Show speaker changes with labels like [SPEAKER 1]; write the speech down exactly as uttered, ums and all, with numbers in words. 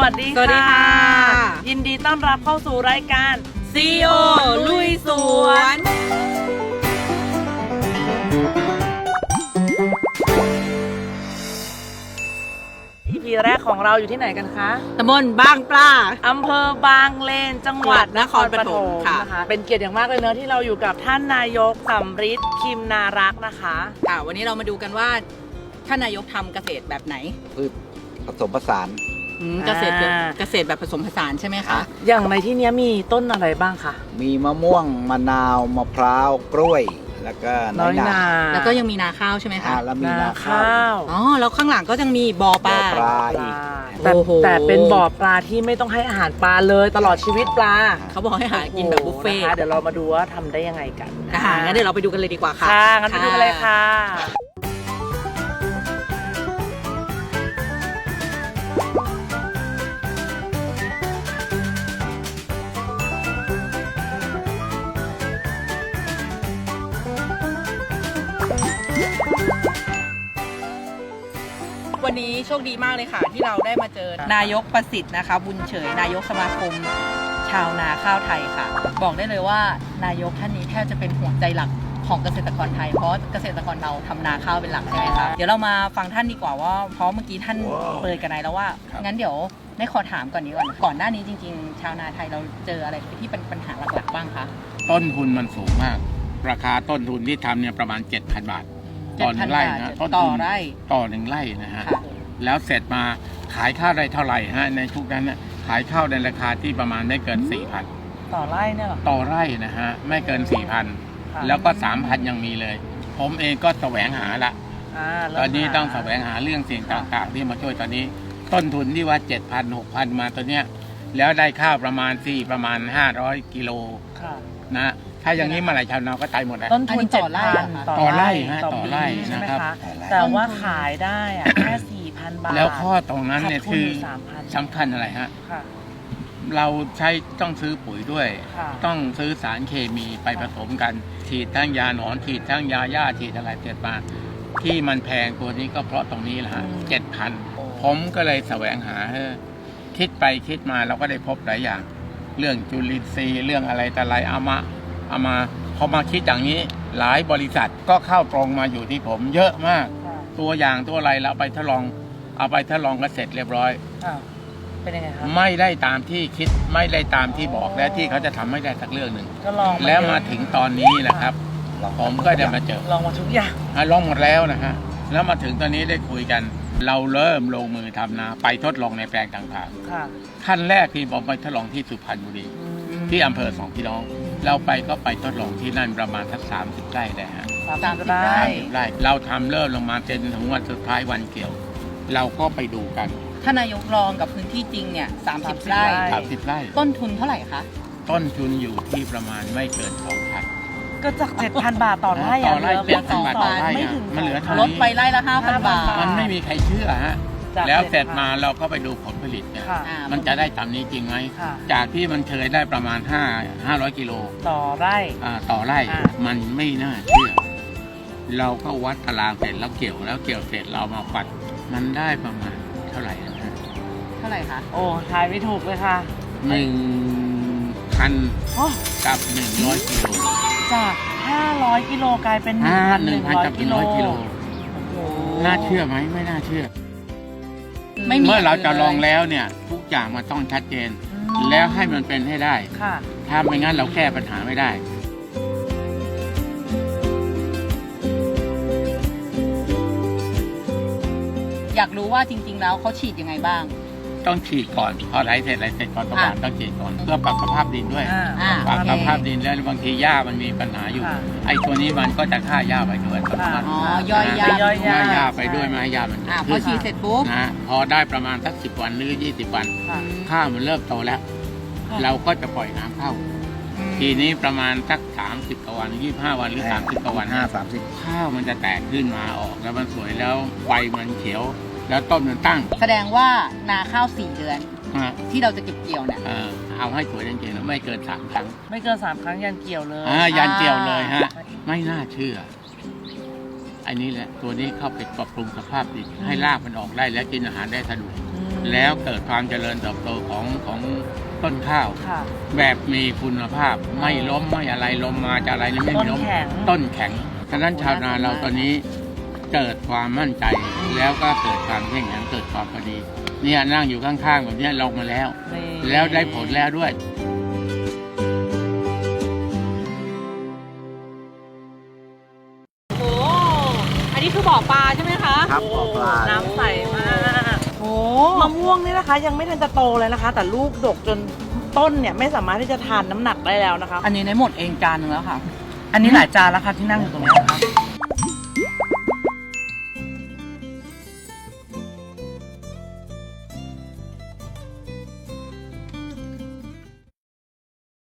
[SPEAKER 1] วัสดีค่ะ
[SPEAKER 2] สวัสดีค่ะ
[SPEAKER 1] ยินดีต้อนรับเข้าสู่รายการ
[SPEAKER 2] ซี อี โอ ลุยสวน
[SPEAKER 1] อี พี แรกของเราอยู่ที่ไหนกันคะ
[SPEAKER 2] ตำบลบางปลา
[SPEAKER 1] อำเภอบางเลนจังหวัดนครปฐม
[SPEAKER 2] ค่ะ
[SPEAKER 1] นะคะเป็นเกียรติอย่างมากเลยเนอะที่เราอยู่กับท่านนายกสำริดคิมนารักษ์นะคะ
[SPEAKER 2] ค่ะวันนี้เรามาดูกันว่าท่านนายกทำเกษตรแบบไหน
[SPEAKER 3] พืชผสมผสาน
[SPEAKER 2] อืมเกษตรแบบเกษตรแบบผสมผสานใช่ไหมคะ
[SPEAKER 1] อย่างในที่นี้มีต้นอะไรบ้างคะ
[SPEAKER 3] มีมะม่วงมะนาวมะพร้าวกล้วย แล้วก็
[SPEAKER 1] น้อยนา
[SPEAKER 2] แล้วก็ยังมีนาข้าวใช่ไหม
[SPEAKER 3] อ่า
[SPEAKER 2] คะ
[SPEAKER 3] แล้วมี
[SPEAKER 1] นา
[SPEAKER 3] นาข้า
[SPEAKER 1] ข้าว ว
[SPEAKER 2] อ๋อแล้วข้างหลังก็ยังมีบ่อป
[SPEAKER 3] บ่
[SPEAKER 2] ลา
[SPEAKER 3] อปลา
[SPEAKER 1] ป
[SPEAKER 3] อีก
[SPEAKER 1] ลาแต่
[SPEAKER 2] โอ้โห
[SPEAKER 1] แต่เป็นบ่อปลาที่ไม่ต้องให้อาหารปลาเลยตลอดชีวิตปลา
[SPEAKER 2] เขาบอกให้หากินแบบบุฟเฟ่ต์
[SPEAKER 1] นะคะเดี๋ยวเรามาดูว่าทำได้ยังไงกัน
[SPEAKER 2] อ่างั้นเดี๋ยวเราไปดูกันเลยดีกว่าค่ะ
[SPEAKER 1] ค่ะงั้นไปดูกันเลยค่ะ
[SPEAKER 2] วันนี้โชคดีมากเลยค่ะ ที่เราได้มาเจอนายกประสิทธิ์นะคะ บุญเฉยนายกสมาคมชาวนาข้าวไทยค่ะ บอกได้เลยว่านายกท่านนี้แทบจะเป็นหัวใจหลักของเกษตรกรไทยเพราะเกษตรกรเราทำนาข้าวเป็นหลักใช่ไหมคะเดี๋ยวเรามาฟังท่านดีกว่าว่าเพราะเมื่อกี้ท่านเปิดกันไหนแล้วว่างั้นเดี๋ยวได้ขอถามก่อนนี้ก่อนก่อนหน้านี้จริงๆ ชาวนาไทยเราเจออะไรที่เป็นปัญหาหลักๆบ้างคะ
[SPEAKER 4] ต้นทุนมันสูงมาก ราคาต้นทุนที่ทำเนี่ยประมาณ เจ็ดพัน บาท ต่อหนึ่งไร่นะต้น
[SPEAKER 2] ต่อ
[SPEAKER 4] ทุน
[SPEAKER 2] ไร่
[SPEAKER 4] ต่อหนึ่งไร่นะฮะ
[SPEAKER 2] ค่ะ
[SPEAKER 4] แล้วเสร็จมาขายข้าวได้เท่าไหร่ฮะในทุกนั้นน่ะขายข้าวในราคาที่ประมาณไม่เกิน สี่พัน
[SPEAKER 1] ต่อไร่เนี่ยเหรอ
[SPEAKER 4] ต่อไร่นะฮะไม่เกิน สี่พัน
[SPEAKER 1] ค่ะ
[SPEAKER 4] แล้วก็ สามพัน ยังมีเลย ผมเองก็แสวงหาละ
[SPEAKER 1] อ่าเริ่ม
[SPEAKER 4] ตอนนี้
[SPEAKER 1] หา
[SPEAKER 4] ต้องแสวงหาเรื่องสิ่งต่างๆ ที่มาช่วยตอนนี้ ต้นทุนที่ว่า เจ็ดพัน หกพัน มาตัวเนี้ยแล้วได้ข้าวประมาณสี่ประมาณ ห้าร้อย กิโล
[SPEAKER 1] ค่ะ
[SPEAKER 4] นะถ้าอย่างนี้เมื่อไหร่ชาวนาก็ตายหมดแล้ว
[SPEAKER 1] ต้นทุน
[SPEAKER 2] อันนี้ต่
[SPEAKER 1] เจ็ด
[SPEAKER 2] อไร่
[SPEAKER 1] พัน
[SPEAKER 2] เหรอคะ
[SPEAKER 4] ต่อไร่ฮะ
[SPEAKER 1] ต่อ
[SPEAKER 4] ต่อ
[SPEAKER 1] ปี
[SPEAKER 4] ไร่
[SPEAKER 1] ใช่ไหม
[SPEAKER 4] นะครับ
[SPEAKER 1] คะแต่ว่าขายได้อะแค่สี่พันบาท
[SPEAKER 4] แล้วข้อตรงนั้นเนี่ย
[SPEAKER 1] ขาดทุ
[SPEAKER 4] คือ
[SPEAKER 1] สามพัน
[SPEAKER 4] สำคัญอะไรฮะ
[SPEAKER 1] ค่ะ
[SPEAKER 4] เราใช้ต้องซื้อปุ๋ยด้วย
[SPEAKER 1] ค่ะ
[SPEAKER 4] ต้องซื้อสารเคมีไปผสมกัน ฉีดทั้งยาหนอนฉีดทั้งยาหญ้าฉีดอะไรเสร็จมาที่มันแพงตัวนี้ก็เพราะตรงนี้แหละฮะเจ็ดพันผมก็เลยแสวงหาเออคิดไปคิดมาเราก็ได้พบหลายอย่าง เรื่องจุลินทรีย์เรื่องอะไรแต่อะไรเอามาเอามาพอมาคิดอย่างนี้หลายบริษัทก็เข้าตรงมาอยู่ที่ผมเยอะมาก
[SPEAKER 1] ค่ะ
[SPEAKER 4] ตัวอย่างตัวอะไรเราเอาไปทดลองเอาไปทดลองก็เสร็จเรียบร้อย
[SPEAKER 1] อ่าเป็นยังไงครับ
[SPEAKER 4] ไม่ได้ตามที่คิดไม่ได้ตามที่บอกและที่เขาจะทำไม่ได้สักเรื่องหนึ่ง
[SPEAKER 1] ก็ลอง
[SPEAKER 4] แล้วมา
[SPEAKER 1] เยอะ
[SPEAKER 4] ถึงตอนนี้นะครับ ผมก็จะมาเจอ
[SPEAKER 1] ลองมาทุกอย่าง
[SPEAKER 4] อ่ะลองหมดแล้วนะฮะแล้วมาถึงตอนนี้ได้คุยกัน เราเริ่มลงมือทำนาไปทดลองในแปลงต่าง
[SPEAKER 1] ค่ะ
[SPEAKER 4] ๆขั้นแรกที่ผมไปทดลองที่สุพรรณบุรี
[SPEAKER 1] อืม
[SPEAKER 4] ที่อำเภอสองพี่น้อง เราไปก็ไปทดลองที่นั่นประมาณสักสามสิบไร่ได้ฮะ
[SPEAKER 1] สามสิบ
[SPEAKER 2] สามสิบ
[SPEAKER 1] ไร่
[SPEAKER 4] สามสิบไร่เราทำเริ่มลงมาจนถึงวันสุดท้ายวันเกี่ยว เราก็ไปดูกัน
[SPEAKER 2] ท่านนายกลองกับพื้นที่จริงเนี่ยสามสิบไร่
[SPEAKER 4] สามสิบไร่
[SPEAKER 2] ต้นทุนเท่าไหร่คะ
[SPEAKER 4] ต้นทุนอยู่ที่ประมาณไม่เกินสองพัน
[SPEAKER 1] ก็จากเจ็ดพันบาทต่อไร่
[SPEAKER 4] ต่
[SPEAKER 1] อะ
[SPEAKER 4] อไร่
[SPEAKER 1] เหลือ
[SPEAKER 4] เจ็ดพันบาทต่อไร่
[SPEAKER 1] ไม่
[SPEAKER 4] อะ
[SPEAKER 1] ถึง
[SPEAKER 4] มันเหลือเท่า
[SPEAKER 2] ลดไปไร่ละห้าพันบาท
[SPEAKER 4] มันไม่มีใครเชื่อฮะ
[SPEAKER 1] จาก
[SPEAKER 4] แล้วเสร็จ
[SPEAKER 1] จ็ดพัน
[SPEAKER 4] มาเราก็ไปดูผลผลิตเนี่ย
[SPEAKER 1] ค่ะ
[SPEAKER 2] อ่า
[SPEAKER 4] มันจะได้ตามนี้จริงไหม
[SPEAKER 1] ค่ะ
[SPEAKER 4] จากที่มันเคยได้ประมาณห้า ห้าร้อยกิโล
[SPEAKER 1] ต่อไร่
[SPEAKER 4] อ่าต่อไร่
[SPEAKER 1] อ่า
[SPEAKER 4] มันไม่น่าเชื่อ เราก็วัดตารางเสร็จแล้วเกี่ยวแล้วเกี่ยวเสร็จเรามาปัด มันได้ประมาณเท่าไหร่นะฮะ
[SPEAKER 2] เท่าไหร่คะ
[SPEAKER 1] โอ้ทายไม่ถูกเลยค่ะ
[SPEAKER 4] หนึ่งพัน
[SPEAKER 1] โอ้
[SPEAKER 4] กับหนึ่งร้อยกิโล
[SPEAKER 1] จากห้าร้อยกิโลกลายเป็นหนึ่ง
[SPEAKER 4] อ่า
[SPEAKER 1] พัน
[SPEAKER 4] ห
[SPEAKER 1] ห
[SPEAKER 4] นึ่
[SPEAKER 1] นึ่
[SPEAKER 4] ง
[SPEAKER 1] ง
[SPEAKER 4] พัน
[SPEAKER 1] ร้อย
[SPEAKER 4] กับห
[SPEAKER 1] กิ
[SPEAKER 4] นึ่ง
[SPEAKER 1] โล
[SPEAKER 4] ร้อยกิโล
[SPEAKER 1] โอ้
[SPEAKER 4] น่าเชื่อไหมไม่น่าเชื่อ
[SPEAKER 2] ไม่มี
[SPEAKER 4] เมื่อเราจะ
[SPEAKER 2] น
[SPEAKER 4] ลองแล้วเนี่ย ทุกอย่างมันต้องชัดเจน
[SPEAKER 1] อืม
[SPEAKER 4] แล้วให้มันเป็นให้ได้
[SPEAKER 1] ค่ะ
[SPEAKER 4] ถ้าไม่งั้นเราแก้ปัญหาไม่ได้
[SPEAKER 2] อยากรู้ว่าจริง ๆ แล้วเขาฉีดยังไงบ้าง
[SPEAKER 4] ต้องฉีดก่อนพอไหลเสร็จไหลเสร็จก่อนประมาณต้องฉีดก่อนเพื่อปรับสภาพดินด้วย
[SPEAKER 1] อ่า
[SPEAKER 2] อ่า
[SPEAKER 4] ปรับ
[SPEAKER 2] โอเค
[SPEAKER 4] สภาพดินแล้วบางทีหญ้ามันมีปัญหาอยู่
[SPEAKER 1] ค่ะ
[SPEAKER 4] ไอ้ตัวนี้มันก็จะฆ่าหญ้าไปด้วยอัตโนมัติ
[SPEAKER 2] อ๋อย่อยหญ้า
[SPEAKER 1] ย่อยหญ้า
[SPEAKER 4] ฆ่าหญ้าไปด้วยไม่ให้หญ้ามัน
[SPEAKER 2] อ่าพ
[SPEAKER 4] ขึ้
[SPEAKER 2] อน ฉีดเสร็จปุ๊บ
[SPEAKER 4] นะพอได้ประมาณสักสิบวันหรือยี่สิบวัน
[SPEAKER 1] ค่ะ
[SPEAKER 4] ข้าวมันเริ่มโตแล้ว
[SPEAKER 1] ค่ะ
[SPEAKER 4] เราก็จะปล่อยน้ำเข้า ทีนี้ประมาณสักสามสิบกว่าวันยี่สิบห้าวันหรือสามสิบกว่าวัน
[SPEAKER 3] ห้าสามสิบ
[SPEAKER 4] ข้าวมันจะแตกขึ้นมาออกแล้วมันสวยแล้วใบมันเขียว แล้วต้นมันตั้ง
[SPEAKER 2] แสดงว่านาข้าวสี่เดือน
[SPEAKER 4] นะ
[SPEAKER 2] ที่เราจะเก็บเกี่ยวเนี่ย
[SPEAKER 4] เออเอาให้สวยจริงๆแล้วไม่เกินสามครั้ง
[SPEAKER 1] ไม่เกินสามครั้งยันเกี่ยวเลย
[SPEAKER 4] อ่ายันเกี่ยวเลยฮะ ไม่น่าเชื่อ อันนี้แหละตัวนี้เข้าไปปรับปรุงสภาพดินให้รากมันออกได้และกินอาหารได้สะดวก
[SPEAKER 1] อืม
[SPEAKER 4] แล้วเกิดความเจริญเติบโตของของต้นข้าว
[SPEAKER 1] ค่ะ
[SPEAKER 4] แบบมีคุณภาพไม่ล้มไม่อะไรล้มมาจะอะไรนี่ไม่มีล้ม
[SPEAKER 1] ต้นแข็ง
[SPEAKER 4] ต้นแข็งฉะนั้นชาวนาเราตอนนี้เกิดความมั่นใจแล้วก็เกิดความเข้มแข็งเกิดความพอดีเนี่ยนั่งอยู่ข้างๆแบบเนี้ยลงมาแล้ว
[SPEAKER 1] นี่
[SPEAKER 4] แล้วได้ผลแล้วด้วย
[SPEAKER 2] โอ้อันนี้คือบ่อปลาใช่ไหมคะ
[SPEAKER 3] ครับบ่อปลา
[SPEAKER 1] น้ำใสมาก
[SPEAKER 2] โอ้
[SPEAKER 1] มะม่วงนี่นะคะ ยังไม่ทันจะโตเลยนะคะ แต่ลูกดกจนต้นเนี่ยไม่สามารถที่จะทานน้ำหนักได้แล้วนะคะ
[SPEAKER 2] อันนี้ในหมดเองจานหนึงแล้วค่ะ อันนี้หลายจานแล้วค่ะที่นั่งอยู่ตรงนี้นะคะ